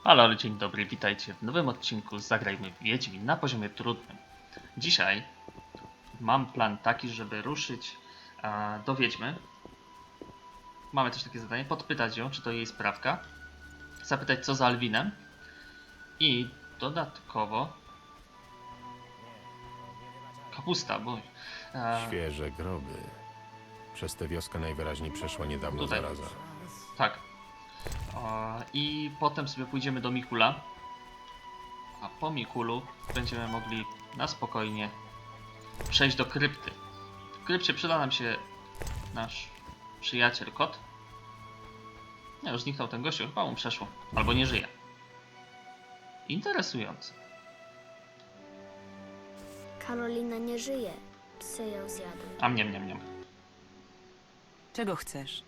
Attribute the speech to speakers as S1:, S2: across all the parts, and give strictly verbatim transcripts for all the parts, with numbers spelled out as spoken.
S1: Halo, dzień dobry, witajcie w nowym odcinku z Zagrajmy w Wiedźmin na poziomie trudnym. Dzisiaj mam plan taki, żeby ruszyć e, do Wiedźmy. Mamy też takie zadanie, podpytać ją, czy to jej sprawka, zapytać co za Alwinem i dodatkowo kapusta, bo e,
S2: Świeże groby. Przez tę wioskę najwyraźniej przeszła niedawno
S1: Tutaj.
S2: zaraza.
S1: tak. E, I potem sobie pójdziemy do Mikula, a po Mikulu będziemy mogli na spokojnie przejść do krypty. W krypcie przyda nam się nasz przyjaciel kot. Nie, już zniknął ten gościu, chyba mu przeszło. Albo nie żyje. Interesujące.
S3: Karolina nie żyje. Psy ją zjadły.
S1: A mniam, mniam, mniam.
S4: Czego chcesz?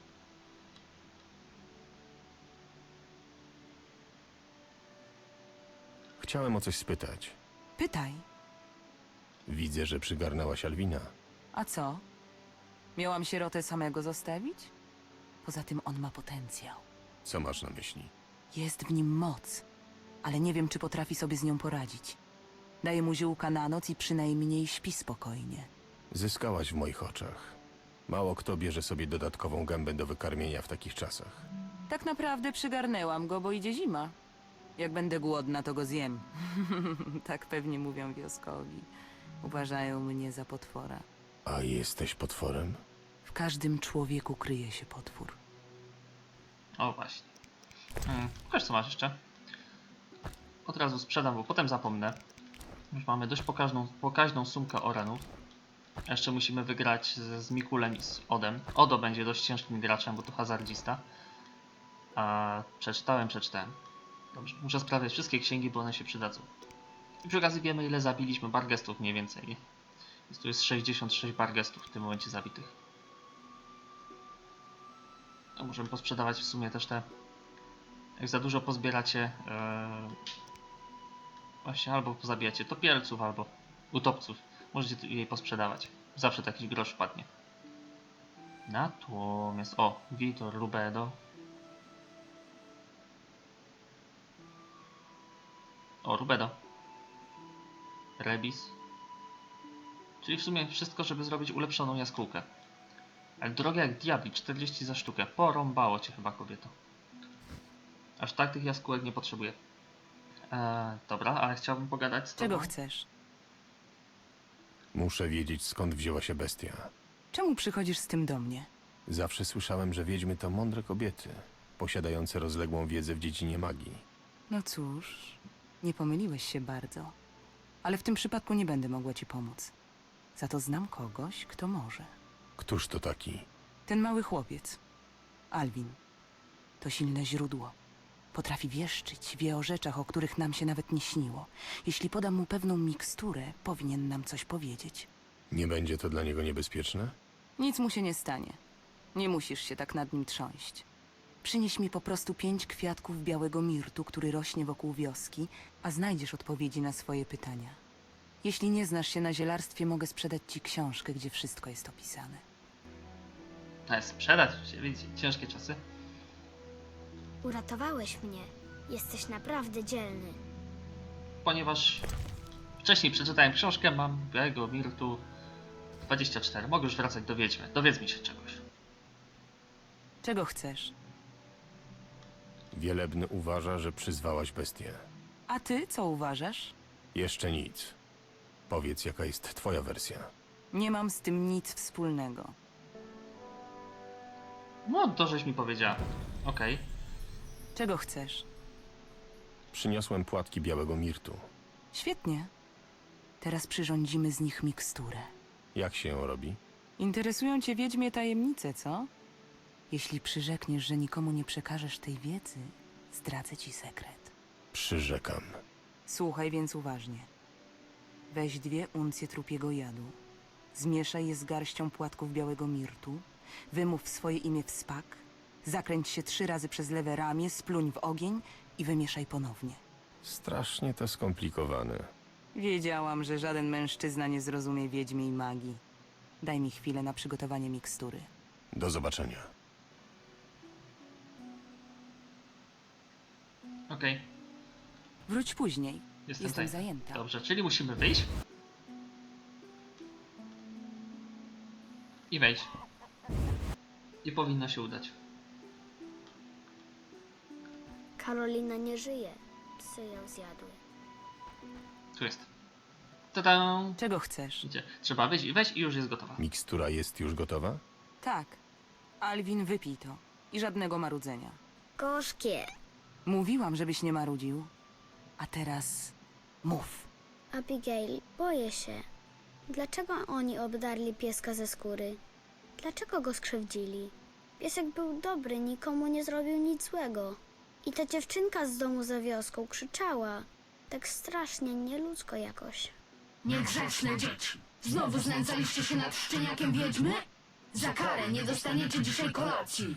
S2: Chciałem o coś spytać.
S4: Pytaj.
S2: Widzę, że przygarnęłaś Alwina.
S4: A co? Miałam sierotę samego zostawić? Poza tym on ma potencjał.
S2: Co masz na myśli?
S4: Jest w nim moc, ale nie wiem, czy potrafi sobie z nią poradzić. Daję mu ziółka na noc i przynajmniej śpi spokojnie.
S2: Zyskałaś w moich oczach. Mało kto bierze sobie dodatkową gębę do wykarmienia w takich czasach.
S4: Tak naprawdę przygarnęłam go, bo idzie zima. Jak będę głodna, to go zjem. Tak pewnie mówią wioskowi. Uważają mnie za potwora.
S2: A jesteś potworem?
S4: W każdym człowieku kryje się potwór.
S1: O właśnie. Hmm. Pokaż co masz jeszcze. Od razu sprzedam, bo potem zapomnę. Już mamy dość pokaźną, pokaźną sumkę orenów. Jeszcze musimy wygrać z, z Mikulem i z Odem. Odo będzie dość ciężkim graczem, bo to hazardzista. A przeczytałem, przeczytałem. Dobrze, muszę sprawdzić wszystkie księgi, bo one się przydadzą. I przy okazji wiemy, ile zabiliśmy bargestów mniej więcej. Więc tu jest sześćdziesiąt sześć bargestów w tym momencie zabitych. A możemy posprzedawać w sumie też te... Jak za dużo pozbieracie... Yy... Właśnie albo pozabijacie topielców, albo utopców. Możecie jej posprzedawać. Zawsze taki grosz wpadnie. Natomiast... O! Vitor Rubedo. O, Rubedo. Rebis. Czyli w sumie wszystko, żeby zrobić ulepszoną jaskółkę. Ale drogie jak diabli, czterdzieści za sztukę. Porąbało cię chyba, kobieto. Aż tak tych jaskółek nie potrzebuję. Eee, dobra, ale chciałbym pogadać z tobą.
S4: Czego chcesz?
S2: Muszę wiedzieć, skąd wzięła się bestia.
S4: Czemu przychodzisz z tym do mnie?
S2: Zawsze słyszałem, że wiedźmy to mądre kobiety, posiadające rozległą wiedzę w dziedzinie magii.
S4: No cóż, nie pomyliłeś się bardzo. Ale w tym przypadku nie będę mogła ci pomóc. Za to znam kogoś, kto może.
S2: Któż to taki?
S4: Ten mały chłopiec, Alwin. To silne źródło. Potrafi wieszczyć, wie o rzeczach, o których nam się nawet nie śniło. Jeśli podam mu pewną miksturę, powinien nam coś powiedzieć.
S2: Nie będzie to dla niego niebezpieczne?
S4: Nic mu się nie stanie. Nie musisz się tak nad nim trząść. Przynieś mi po prostu pięć kwiatków białego mirtu, który rośnie wokół wioski, a znajdziesz odpowiedzi na swoje pytania. Jeśli nie znasz się na zielarstwie, mogę sprzedać ci książkę, gdzie wszystko jest opisane.
S1: Ale sprzedać, widzicie, ciężkie czasy.
S3: Uratowałeś mnie. Jesteś naprawdę dzielny.
S1: Ponieważ wcześniej przeczytałem książkę, mam białego mirtu dwadzieścia cztery. Mogę już wracać do Wiedźmy. Dowiedz mi się czegoś.
S4: Czego chcesz?
S2: Wielebny uważa, że przyzwałaś bestię.
S4: A ty co uważasz?
S2: Jeszcze nic. Powiedz, jaka jest twoja wersja.
S4: Nie mam z tym nic wspólnego.
S1: No, to żeś mi powiedziała. Okej.
S4: Czego chcesz?
S2: Przyniosłem płatki białego mirtu.
S4: Świetnie. Teraz przyrządzimy z nich miksturę.
S2: Jak się ją robi?
S4: Interesują cię wiedźmie tajemnice, co? Jeśli przyrzekniesz, że nikomu nie przekażesz tej wiedzy, zdradzę ci sekret.
S2: Przyrzekam.
S4: Słuchaj więc uważnie. Weź dwie uncje trupiego jadu. Zmieszaj je z garścią płatków białego mirtu. Wymów swoje imię w spak. Zakręć się trzy razy przez lewe ramię, spluń w ogień i wymieszaj ponownie.
S2: Strasznie to skomplikowane.
S4: Wiedziałam, że żaden mężczyzna nie zrozumie wiedźmiej magii. Daj mi chwilę na przygotowanie mikstury.
S2: Do zobaczenia.
S1: Okej. Okej,
S4: Wróć później.
S1: jestem,
S4: Jestem
S1: tutaj.
S4: zajęta.
S1: Dobrze, czyli musimy wyjść. I wejść. I powinno się udać.
S3: Karolina nie żyje. Psy ją zjadły.
S1: Tu jest. Tada!
S4: Czego chcesz?
S1: Idzie. Trzeba wyjść i wejść i już jest gotowa.
S2: Mikstura jest już gotowa?
S4: Tak. Alwin, wypij to. I żadnego marudzenia.
S3: Gorzkie.
S4: Mówiłam, żebyś nie marudził. A teraz mów.
S3: Abigail, boję się. Dlaczego oni obdarli pieska ze skóry? Dlaczego go skrzywdzili? Piesek był dobry, nikomu nie zrobił nic złego. I ta dziewczynka z domu za wioską krzyczała. Tak strasznie, nieludzko jakoś.
S5: Niegrzeczne dzieci. Znowu znęcaliście się nad szczeniakiem wiedźmy? Za karę nie dostaniecie dzisiaj kolacji.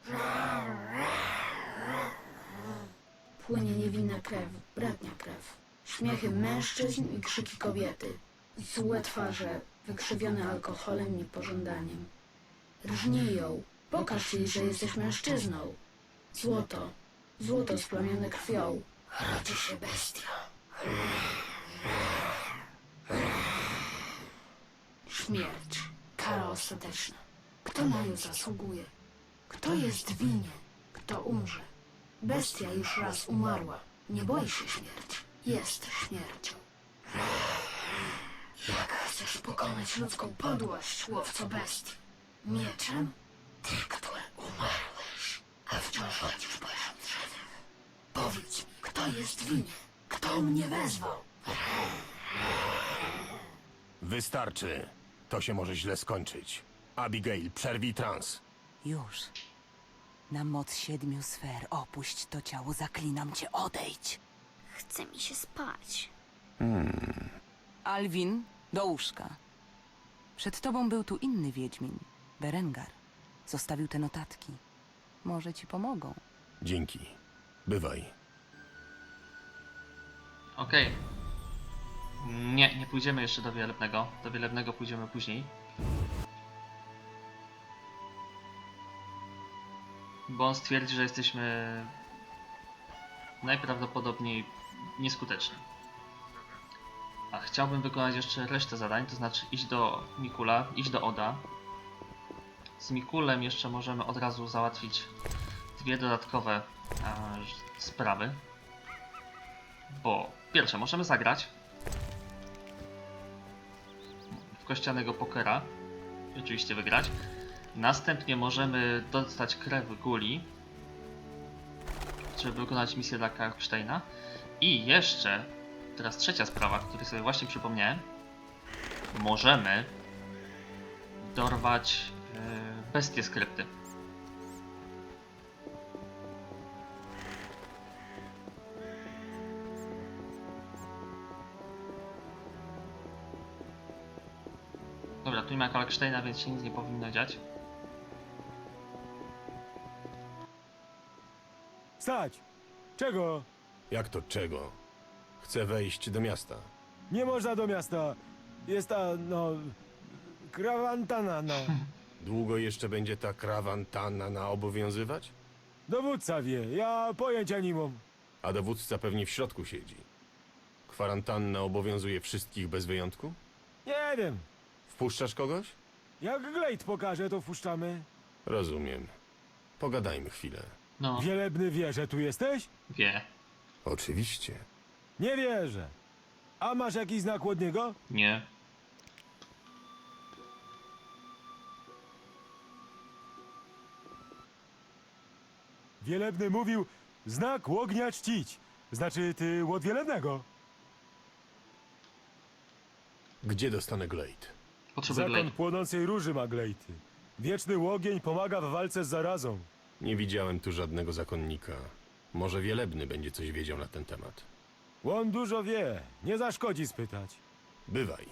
S5: Płynie niewinna krew, bratnia krew. Śmiechy mężczyzn i krzyki kobiety. Złe twarze, wykrzywione alkoholem i pożądaniem. Rżnij ją, pokaż jej, że jesteś mężczyzną. Złoto, złoto splamione krwią. Rodzi się bestia. Śmierć, kara ostateczna. Kto na nią zasługuje? Kto jest winien? Kto umrze? Bestia już raz umarła. Nie boi się śmierci. Jest śmiercią. Jak chcesz pokonać ludzką podłość, łowco bestii? Mieczem? Ty, który umarłeś, a wciąż chodzisz po drzewach. Powiedz mi, kto jest winien? Kto mnie wezwał?
S2: Wystarczy. To się może źle skończyć. Abigail, przerwij trans.
S4: Już. Na moc siedmiu sfer opuść to ciało, zaklinam cię, odejdź.
S3: Chce mi się spać.
S4: Alwin, do łóżka. Przed tobą był tu inny wiedźmin, Berengar. Zostawił te notatki. Może ci pomogą.
S2: Dzięki. Bywaj.
S1: Okej. Nie, nie pójdziemy jeszcze do Wielebnego. Do Wielebnego pójdziemy później. Bo on stwierdzi, że jesteśmy najprawdopodobniej nieskuteczni. A chciałbym wykonać jeszcze resztę zadań, to znaczy iść do Mikula, iść do Oda. Z Mikulem jeszcze możemy od razu załatwić dwie dodatkowe e, sprawy. Bo pierwsze, możemy zagrać w kościanego pokera i oczywiście wygrać. Następnie możemy dostać krew Guli, żeby wykonać misję dla Karpsteina. I jeszcze, teraz trzecia sprawa, o której sobie właśnie przypomniałem. Możemy dorwać yy, bestię z krypty. Dobra, tu nie ma Kalksteina, więc się nic nie powinno dziać.
S6: Stać! Czego?
S2: Jak to czego? Chcę wejść do miasta.
S6: Nie można do miasta. Jest ta, no... Krawantana, no.
S2: Długo jeszcze będzie ta krawantanna obowiązywać?
S6: Dowódca wie, ja pojęcia nie mam.
S2: A dowódca pewnie w środku siedzi. Kwarantanna obowiązuje wszystkich bez wyjątku?
S6: Nie wiem.
S2: Wpuszczasz kogoś?
S6: Jak Glade pokaże, to wpuszczamy.
S2: Rozumiem. Pogadajmy chwilę.
S1: No,
S6: Wielebny wie, że tu jesteś?
S1: wie.
S2: Oczywiście.
S6: Nie wierzę. A masz jakiś znak od niego?
S1: Nie.
S6: Wielebny mówił, znak ognia czcić. Znaczy, ty łod wielebnego.
S2: Gdzie dostanę Glade?
S1: Potrzebuję
S6: Zakon
S1: Glade.
S6: płonącej róży ma Glade. Wieczny ogień pomaga w walce z zarazą.
S2: Nie widziałem tu żadnego zakonnika. Może Wielebny będzie coś wiedział na ten temat.
S6: On dużo wie, nie zaszkodzi spytać.
S2: Bywaj.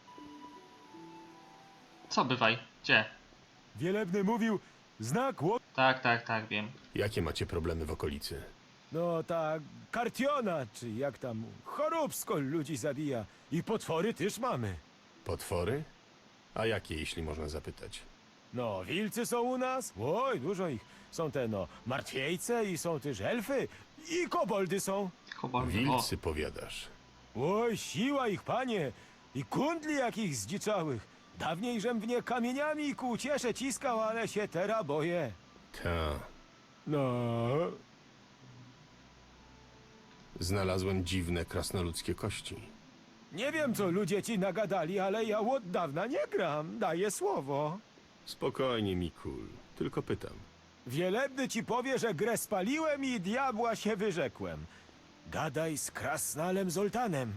S1: Co bywaj? Gdzie?
S6: Wielebny mówił, znak ognia.
S1: Tak, tak, tak, wiem.
S2: Jakie macie problemy w okolicy?
S6: No ta kartiona, czy jak tam, choróbsko ludzi zabija. I potwory też mamy.
S2: Potwory? A jakie, jeśli można zapytać?
S6: No, wilcy są u nas? Oj, dużo ich. Są te, no, martwiejce i są też elfy. I koboldy są.
S1: Koboldy. O,
S2: Wilcy powiadasz.
S6: Oj, siła ich, panie. I kundli jakich zdziczałych. Dawniej żem w nie kamieniami ku ciesze ciskał, ale się teraz boję.
S2: Ta.
S6: No,
S2: Znalazłem dziwne krasnoludzkie kości.
S6: nie wiem, co ludzie ci nagadali, ale ja od dawna nie gram. Daję słowo.
S2: Spokojnie, Mikul. Tylko pytam.
S6: Wielebny ci powie, że grę spaliłem i diabła się wyrzekłem. Gadaj z krasnalem Zoltanem.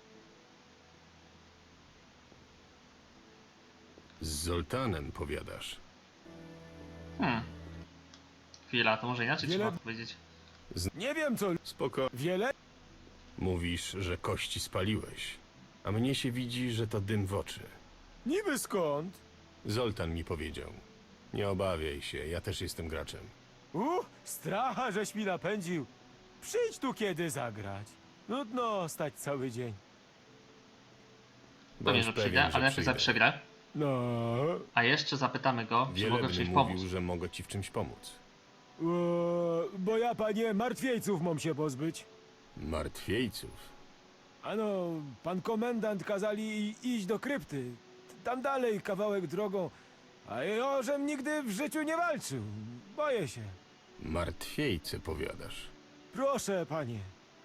S2: Z Zoltanem powiadasz.
S1: Hmm. Chwila, to może inaczej
S6: Wiele-
S1: trzeba powiedzieć.
S6: Nie wiem, co...
S2: Spoko.
S6: Wiele...
S2: Mówisz, że kości spaliłeś. A mnie się widzi, że to dym w oczy.
S6: Niby skąd?
S2: Zoltan mi powiedział. Nie obawiaj się, ja też jestem graczem.
S6: Uh, stracha, żeś mi napędził. Przyjdź tu kiedy zagrać. Nudno stać cały dzień.
S1: Pewnie,
S2: Bądź
S1: że
S2: pewien,
S1: przyjdę,
S2: że
S1: ale najpierw za
S2: przyjdę.
S1: przegrę.
S6: No...
S1: A jeszcze zapytamy go, czy mogę w
S2: Wielebny
S1: czymś
S2: mówił,
S1: pomóc.
S2: że mogę ci w czymś pomóc.
S6: E, bo ja, panie, martwiejców mam się pozbyć.
S2: Martwiejców?
S6: Ano, pan komendant kazali i- iść do krypty. Tam dalej kawałek drogą. A ja, żem nigdy w życiu nie walczył. Boję się.
S2: Martwiejce powiadasz.
S6: Proszę, panie.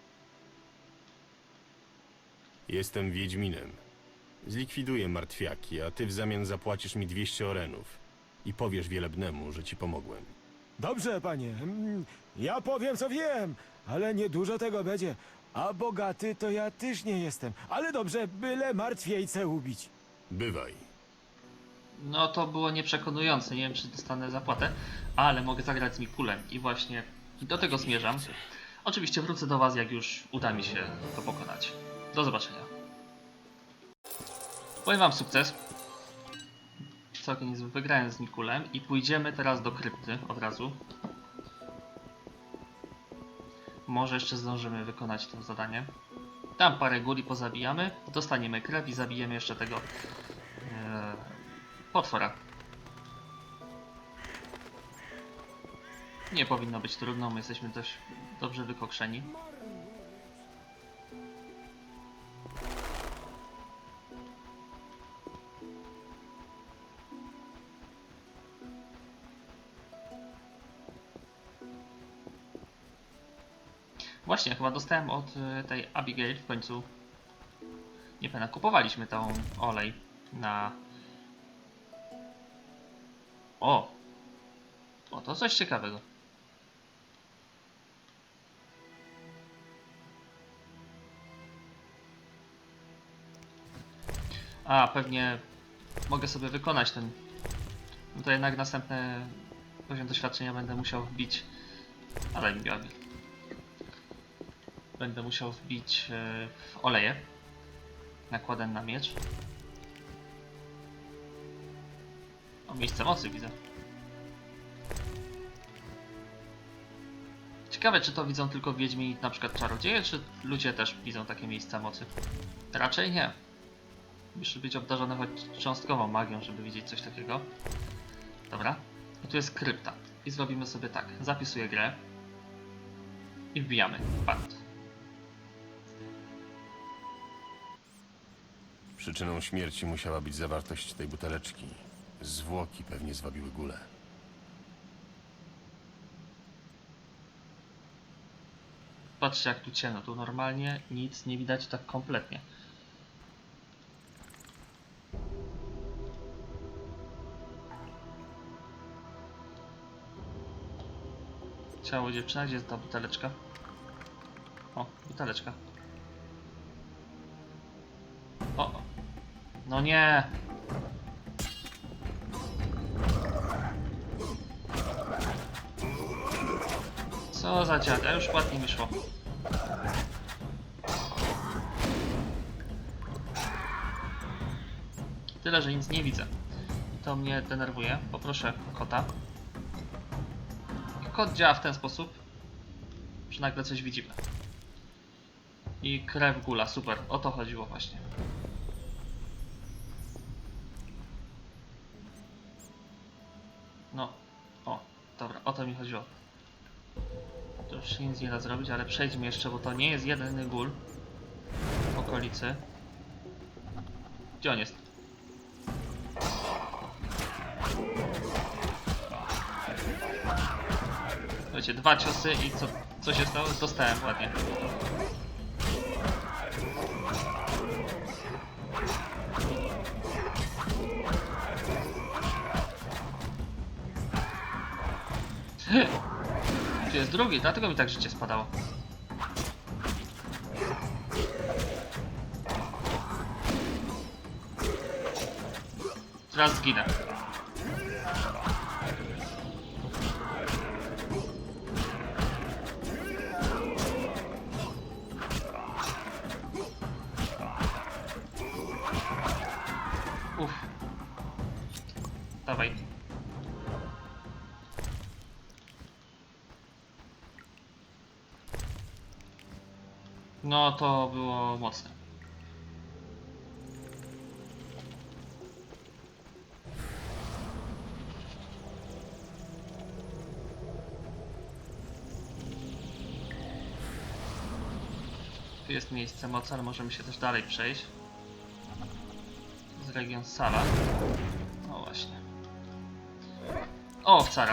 S2: Jestem Wiedźminem. Zlikwiduję martwiaki, a ty w zamian zapłacisz mi dwieście orenów. I powiesz Wielebnemu, że ci pomogłem.
S6: Dobrze, panie. Mm, Ja powiem, co wiem, ale niedużo tego będzie. A bogaty to ja też nie jestem. Ale dobrze, byle martwiejce ubić.
S2: Bywaj.
S1: No to było nieprzekonujące, nie wiem czy dostanę zapłatę, ale mogę zagrać z Mikulem i właśnie do tego zmierzam. Oczywiście wrócę do was, jak już uda mi się to pokonać. Do zobaczenia. Powiem wam sukces. Całkiem niezły, wygrałem z Mikulem i pójdziemy teraz do krypty od razu. Może jeszcze zdążymy wykonać to zadanie. Tam parę guli pozabijamy, dostaniemy krew i zabijemy jeszcze tego e, potwora. Nie powinno być trudno, my jesteśmy dość dobrze wykokszeni. Właśnie, chyba dostałem od y, tej Abigail w końcu. Nie pamiętam, kupowaliśmy tą olej na... O! O, to coś ciekawego. A, pewnie mogę sobie wykonać ten... No to jednak następny poziom doświadczenia będę musiał wbić... Ale mi gabi. Będę musiał wbić yy, w oleje. Nakładem na miecz. O, miejsce mocy widzę. Ciekawe, czy to widzą tylko wiedźmi, na przykład czarodzieje, czy ludzie też widzą takie miejsca mocy? Raczej nie. Muszę być obdarzony choć cząstkową magią, żeby widzieć coś takiego. Dobra. I tu jest krypta. I zrobimy sobie tak. Zapisuję grę. I wbijamy. Patrz.
S2: Przyczyną śmierci musiała być zawartość tej buteleczki. Zwłoki pewnie zwabiły gulę.
S1: Patrzcie jak tu ciemno. Tu normalnie nic nie widać tak kompletnie. Ciało dziewczyna, gdzie jest ta buteleczka? O, buteleczka. O, o. No nie! Co za dziada, już ładnie mi szło. Tyle, że nic nie widzę. To mnie denerwuje. Poproszę kota. Kot działa w ten sposób, że nagle coś widzimy. I krew gula, super, o to chodziło właśnie. mi chodziło. Tu już się nic nie da zrobić, ale przejdźmy jeszcze, bo to nie jest jedyny gól w okolicy. Gdzie on jest? Wiecie, dwa ciosy i co, co się stało? Dostałem ładnie. Tu jest drugi, dlatego mi tak życie spadało. Teraz zginę. Uff. Dawaj. No to było mocne. Tu jest miejsce mocy, ale możemy się też dalej przejść. Z region Sala. O właśnie. O, wcara.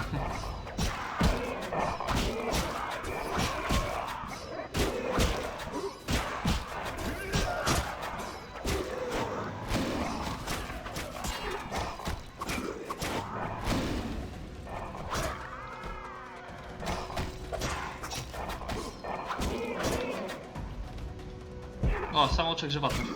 S1: O, samouczek żywotność.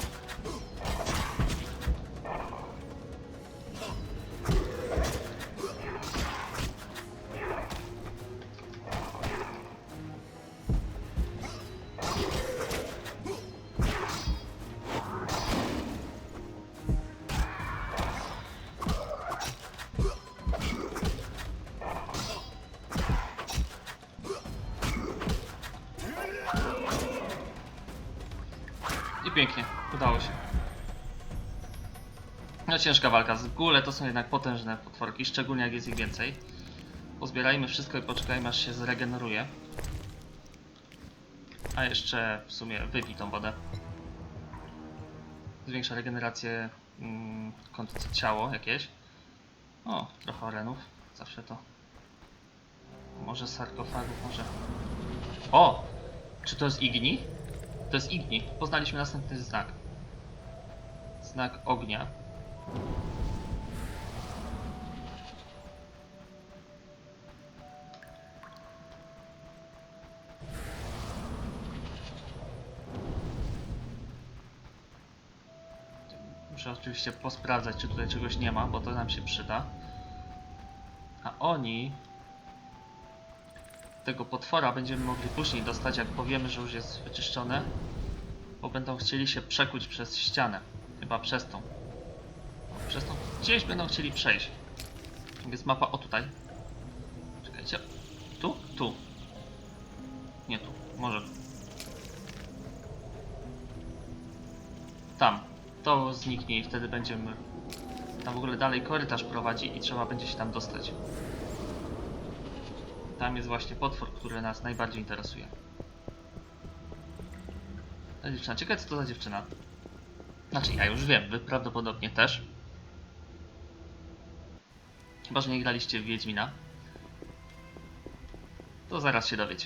S1: I pięknie, udało się. No ciężka walka, z góle to są jednak potężne potworki, szczególnie jak jest ich więcej. Pozbierajmy wszystko i poczekajmy, aż się zregeneruje. A jeszcze w sumie wypij tą wodę. Zwiększa regenerację mm, ciało jakieś. O, trochę arenów, zawsze to. Może sarkofagów, może... O! Czy to jest Igni? To jest Igni. Poznaliśmy następny znak. Znak ognia. Muszę oczywiście posprawdzać, czy tutaj czegoś nie ma, bo to nam się przyda. A oni... tego potwora będziemy mogli później dostać, jak powiemy, że już jest wyczyszczone. Bo będą chcieli się przekuć przez ścianę. Chyba przez tą. Przez tą. Gdzieś będą chcieli przejść. Jest mapa, o tutaj. Czekajcie. Tu? Tu. Nie tu. Może. Tam. To zniknie i wtedy będziemy... Tam w ogóle dalej korytarz prowadzi i trzeba będzie się tam dostać. Tam jest właśnie potwór, który nas najbardziej interesuje. Ta dziewczyna. Ciekawe, co to za dziewczyna. Znaczy, ja już wiem, wy prawdopodobnie też. Chyba, że nie graliście w Wiedźmina. To zaraz się dowiecie.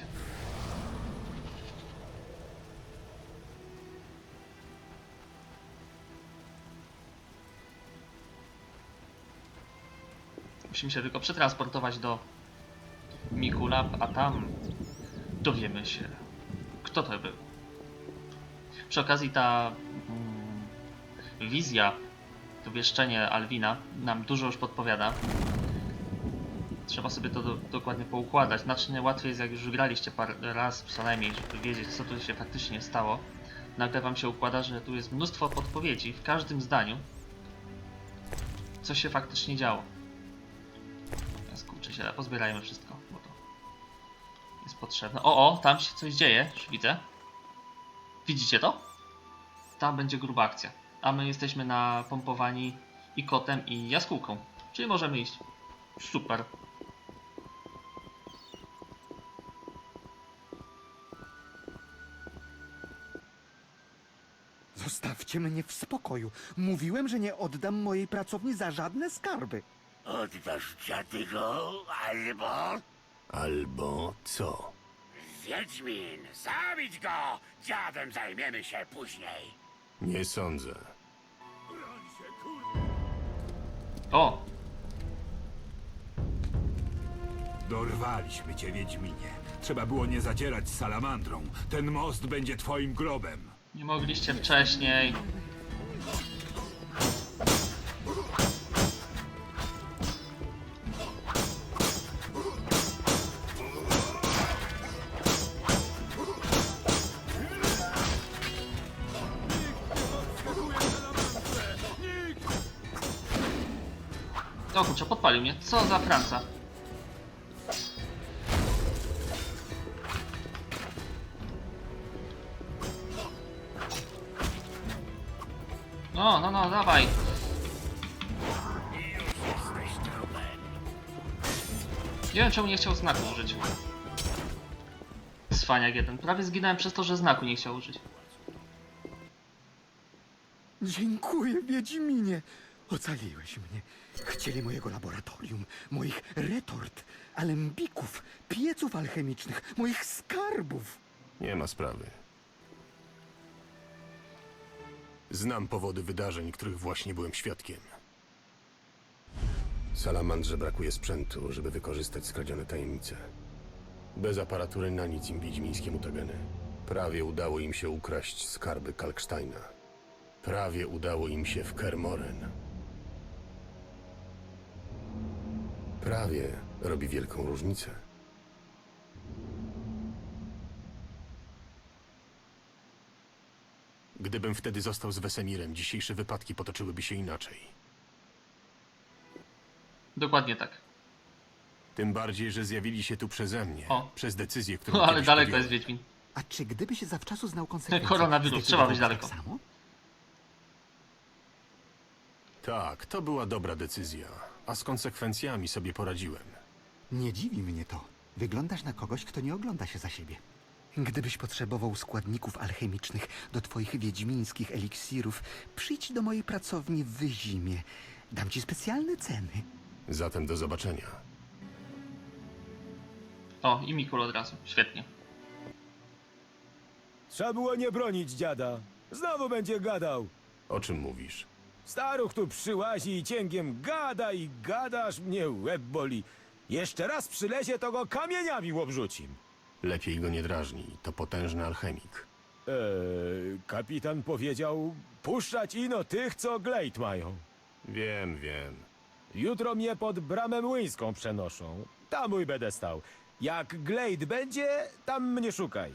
S1: Musimy się tylko przetransportować do Mikulab, a tam dowiemy się, kto to był. Przy okazji ta mm, wizja, to wieszczenie Alwina nam dużo już podpowiada. Trzeba sobie to do, dokładnie poukładać. Znacznie łatwiej jest, jak już graliście parę raz co najmniej, żeby wiedzieć, co tu się faktycznie stało. Nagle wam się układa, że tu jest mnóstwo podpowiedzi w każdym zdaniu, co się faktycznie działo. Skurczę się, pozbierajmy wszystko, bo to jest potrzebne. O, o, tam się coś dzieje, już widzę. Widzicie to? Tam będzie gruba akcja. A my jesteśmy napompowani i kotem, i jaskółką. Czyli możemy iść. Super.
S7: Zostawcie mnie w spokoju. Mówiłem, że nie oddam mojej pracowni za żadne skarby.
S8: Oddasz dziady go, albo...
S2: Albo co?
S8: Wiedźmin, zabić go! Dziadem zajmiemy się później.
S2: Nie sądzę.
S1: O!
S9: Dorwaliśmy cię, Wiedźminie. Trzeba było nie zadzierać z salamandrą. Ten most będzie twoim grobem.
S1: Nie mogliście wcześniej. O kurczę, podpalił mnie. Co za Franca? No, no, no, dawaj. Nie wiem, czemu nie chciał znaku użyć. Cwaniak jeden. Prawie zginąłem przez to, że znaku nie chciał użyć.
S7: Dziękuję, Wiedźminie. Ocaliłeś mnie. Chcieli mojego laboratorium, moich retort, alembików, pieców alchemicznych, moich skarbów.
S2: Nie ma sprawy. Znam powody wydarzeń, których właśnie byłem świadkiem. Salamandrze brakuje sprzętu, żeby wykorzystać skradzione tajemnice. Bez aparatury na nic im wiedźmińskie mutageny. Prawie udało im się ukraść skarby Kalksteina. Prawie udało im się w Kermoren. Prawie robi wielką różnicę. Gdybym wtedy został z Wesemirem, dzisiejsze wypadki potoczyłyby się inaczej.
S1: Dokładnie tak.
S2: Tym bardziej, że zjawili się tu przeze mnie.
S1: O.
S2: Przez decyzję, którą
S1: No ale
S2: kiedyś
S1: daleko
S2: podjąłem.
S1: jest Wiedźmin.
S7: A czy gdyby się zawczasu znał konsekwencje...
S1: Koronawirus, trzeba być
S7: zdecydowałbyś
S1: daleko.
S7: tak samo?
S2: Tak, to była dobra decyzja. A z konsekwencjami sobie poradziłem.
S7: Nie dziwi mnie to. Wyglądasz na kogoś, kto nie ogląda się za siebie. Gdybyś potrzebował składników alchemicznych do twoich wiedźmińskich eliksirów, przyjdź do mojej pracowni w Wyzimie. Dam ci specjalne ceny.
S2: Zatem do zobaczenia.
S1: O, i Mikul od razu. Świetnie.
S6: Trzeba było nie bronić dziada. Znowu będzie gadał.
S2: O czym mówisz?
S6: Staruch tu przyłazi i cięgiem gada i gada, aż mnie łeb boli. Jeszcze raz przylezie, to go kamieniami obrzucim.
S2: Lepiej go nie drażnij. To potężny alchemik.
S6: Eee, kapitan powiedział, puszczać ino tych, co glejt mają.
S2: Wiem, wiem.
S6: Jutro mnie pod bramę młyńską przenoszą. Tam mój będę stał. Jak glejt będzie, tam mnie szukaj.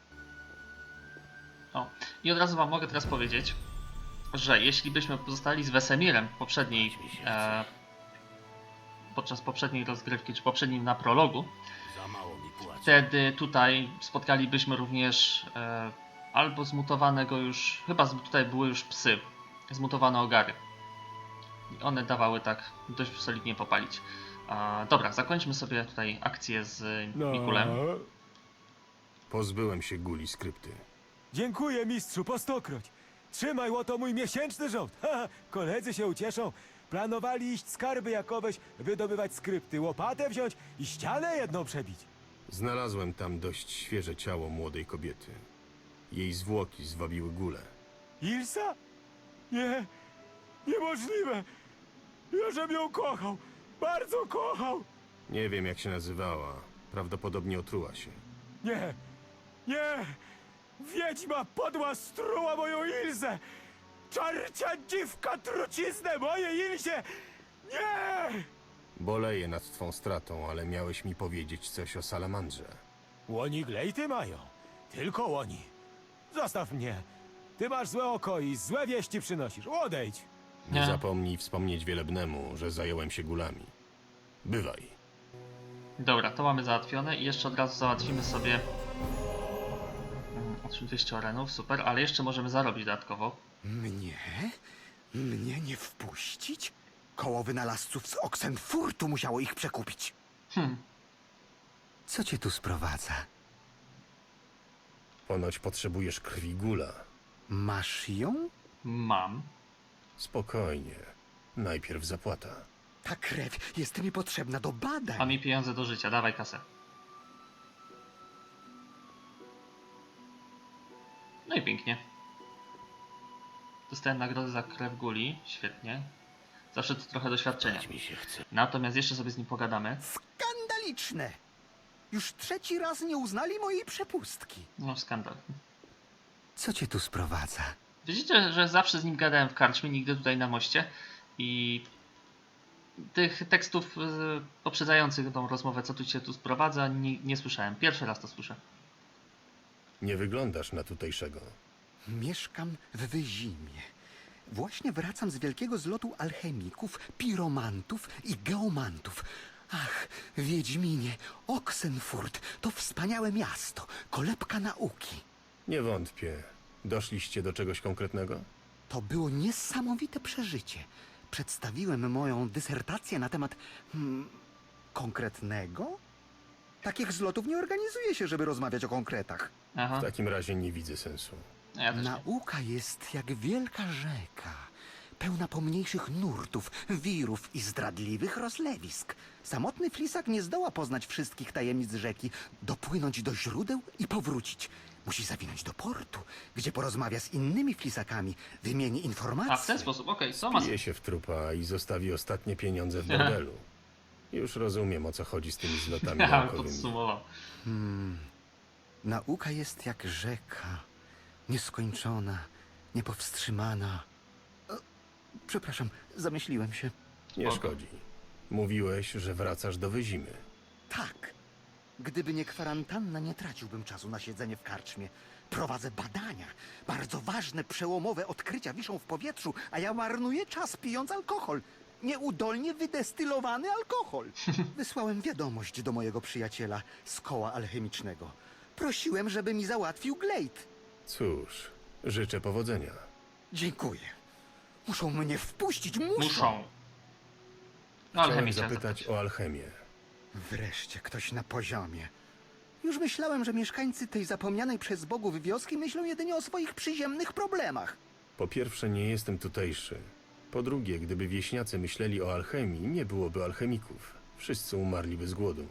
S1: O, i od razu wam mogę teraz powiedzieć, że jeśli byśmy pozostali z Wesemirem w poprzedniej, e, podczas poprzedniej rozgrywki, czy poprzednim na prologu,
S8: Za mało mi płacą.
S1: wtedy tutaj spotkalibyśmy również e, albo zmutowanego już, chyba z, tutaj były już psy, zmutowane ogary. I one dawały tak dość solidnie popalić. E, dobra, zakończmy sobie tutaj akcję z Mikulem.
S2: Pozbyłem się guli skrypty.
S6: Dziękuję, mistrzu, po stokroć. Trzymaj, oto mój miesięczny żołd. Ha, koledzy się ucieszą. Planowali iść skarby jakoweś, wydobywać skrypty, łopatę wziąć i ścianę jedną przebić.
S2: Znalazłem tam dość świeże ciało młodej kobiety. Jej zwłoki zwabiły gulę.
S6: Ilsa? Nie, niemożliwe. Ja żem ją kochał, bardzo kochał.
S2: Nie wiem, jak się nazywała. Prawdopodobnie otruła się.
S6: Nie, nie, wiedźma podła struła moją Ilzę. Czarcia dziwka truciznę mojej Ilzie. Nie!
S2: Boleję nad twą stratą, ale miałeś mi powiedzieć coś o salamandrze.
S6: Łoni glejty mają, tylko łoni. Zostaw mnie. Ty masz złe oko i złe wieści przynosisz. Odejdź.
S2: Nie
S1: Nie.
S2: zapomnij wspomnieć Wielebnemu, że zająłem się gulami. Bywaj.
S1: Dobra, to mamy załatwione i jeszcze od razu załatwimy sobie mm, dwieście orenów, super, ale jeszcze możemy zarobić dodatkowo.
S7: Mnie? Mnie nie wpuścić? Koło wynalazców z Oxenfurtu musiało ich przekupić.
S1: Hmm,
S7: Co cię tu sprowadza?
S2: Ponoć potrzebujesz krwi gula.
S7: Masz ją?
S1: Mam.
S2: Spokojnie. Najpierw zapłata.
S7: Ta krew jest mi potrzebna do badań.
S1: A mi pieniądze do życia, dawaj kasę. No i pięknie. Dostałem nagrodę za krew guli, świetnie. Zawsze to trochę doświadczenia.
S8: Mi się chce.
S1: Natomiast jeszcze sobie z nim pogadamy.
S7: Skandaliczne! Już trzeci raz nie uznali mojej przepustki.
S1: No skandal.
S7: Co cię tu sprowadza?
S1: Widzicie, że zawsze z nim gadałem w karczmie, nigdy tutaj na moście. I tych tekstów y, poprzedzających tą rozmowę, co tu cię tu sprowadza, nie, nie słyszałem. Pierwszy raz to słyszę.
S2: Nie wyglądasz na tutejszego.
S7: Mieszkam w Wyzimie. Właśnie wracam z wielkiego zlotu alchemików, piromantów i geomantów. Ach, Wiedźminie, Oxenfurt to wspaniałe miasto, kolebka nauki.
S2: Nie wątpię. Doszliście do czegoś konkretnego?
S7: To było niesamowite przeżycie. Przedstawiłem moją dysertację na temat hmm, konkretnego? Takich zlotów nie organizuje się, żeby rozmawiać o konkretach.
S1: Aha,
S2: W takim razie nie widzę sensu.
S1: no ja też nie.
S7: Nauka jest jak wielka rzeka, pełna pomniejszych nurtów, wirów i zdradliwych rozlewisk. Samotny flisak nie zdoła poznać wszystkich tajemnic rzeki, dopłynąć do źródeł i powrócić. Musi zawinąć do portu, gdzie porozmawia z innymi flisakami, wymieni informacje.
S1: A w ten sposób, okej, to ma
S2: Pije się w trupa i zostawi ostatnie pieniądze w bordelu. Już rozumiem, o co chodzi z tymi zlotami
S1: Ja
S2: naukowymi.
S1: podsumował.
S7: Nauka jest jak rzeka, nieskończona, niepowstrzymana. O, przepraszam, zamyśliłem się.
S2: Nie
S1: Spoko.
S2: szkodzi. Mówiłeś, że wracasz do Wyzimy.
S7: Tak. Gdyby nie kwarantanna, nie traciłbym czasu na siedzenie w karczmie. Prowadzę badania. Bardzo ważne, przełomowe odkrycia wiszą w powietrzu, a ja marnuję czas pijąc alkohol. Nieudolnie wydestylowany alkohol. Wysłałem wiadomość do mojego przyjaciela z koła alchemicznego. Prosiłem, żeby mi załatwił glejt.
S2: Cóż, życzę powodzenia.
S7: Dziękuję. Muszą mnie wpuścić, muszą.
S1: Muszą. No ale
S2: Chciałem
S1: chemię chciałem
S2: zapytać o alchemię.
S7: Wreszcie ktoś na poziomie. Już myślałem, że mieszkańcy tej zapomnianej przez bogów wioski myślą jedynie o swoich przyziemnych problemach.
S2: Po pierwsze, nie jestem tutejszy. Po drugie, gdyby wieśniacy myśleli o alchemii, nie byłoby alchemików. Wszyscy umarliby z głodu.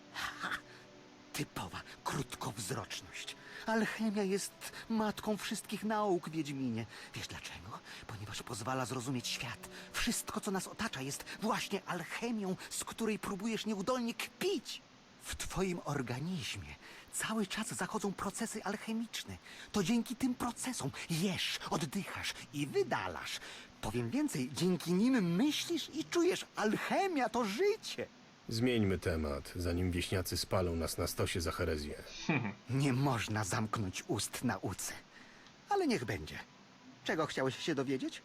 S7: Typowa krótkowzroczność. Alchemia jest matką wszystkich nauk, Wiedźminie. Wiesz dlaczego? Ponieważ pozwala zrozumieć świat. Wszystko, co nas otacza, jest właśnie alchemią, z której próbujesz nieudolnie kpić. W twoim organizmie cały czas zachodzą procesy alchemiczne. To dzięki tym procesom jesz, oddychasz i wydalasz. Powiem więcej, dzięki nim myślisz i czujesz. Alchemia to życie.
S2: Zmieńmy temat, zanim wieśniacy spalą nas na stosie za herezję.
S7: Nie można zamknąć ust nauce. Ale niech będzie. Czego chciałeś się dowiedzieć?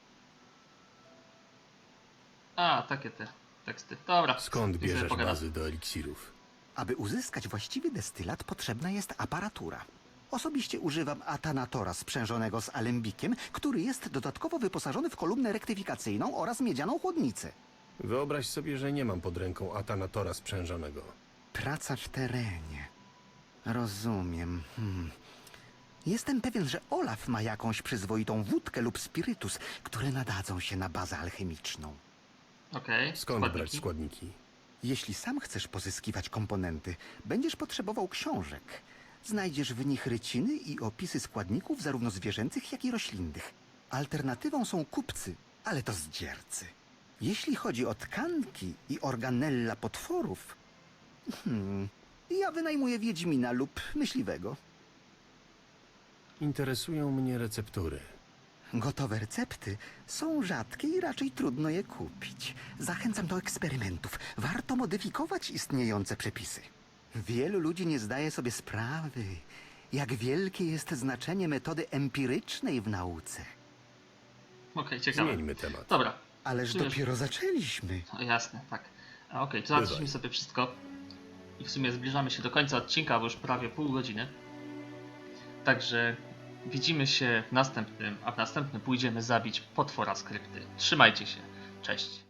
S1: A, takie te teksty. Dobra.
S2: Skąd
S1: I sobie
S2: bierzesz
S1: pogadam.
S2: bazy do eliksirów?
S7: Aby uzyskać właściwy destylat, potrzebna jest aparatura. Osobiście używam Atanatora sprzężonego z alembikiem, który jest dodatkowo wyposażony w kolumnę rektyfikacyjną oraz miedzianą chłodnicę.
S2: Wyobraź sobie, że nie mam pod ręką Atanatora sprzężonego.
S7: Praca w terenie. Rozumiem. Hmm. Jestem pewien, że Olaf ma jakąś przyzwoitą wódkę lub spirytus, które nadadzą się na bazę alchemiczną.
S1: Okej,
S2: Skąd
S1: składniki.
S2: brać składniki?
S7: Jeśli sam chcesz pozyskiwać komponenty, będziesz potrzebował książek. Znajdziesz w nich ryciny i opisy składników zarówno zwierzęcych, jak i roślinnych. Alternatywą są kupcy, ale to zdziercy. Jeśli chodzi o tkanki i organella potworów, hmm, ja wynajmuję wiedźmina lub myśliwego.
S2: Interesują mnie receptury.
S7: Gotowe recepty są rzadkie i raczej trudno je kupić. Zachęcam do eksperymentów. Warto modyfikować istniejące przepisy. Wielu ludzi nie zdaje sobie sprawy, jak wielkie jest znaczenie metody empirycznej w nauce.
S1: Okej, ciekawe.
S2: Zmieńmy temat.
S1: Dobra.
S7: Ależ
S1: Czujesz-
S7: dopiero zaczęliśmy.
S1: O, jasne, tak. A, Okej, to załatwiliśmy sobie wszystko. I w sumie zbliżamy się do końca odcinka, bo już prawie pół godziny. Także widzimy się w następnym, a w następnym pójdziemy zabić potwora z krypty. Trzymajcie się. Cześć.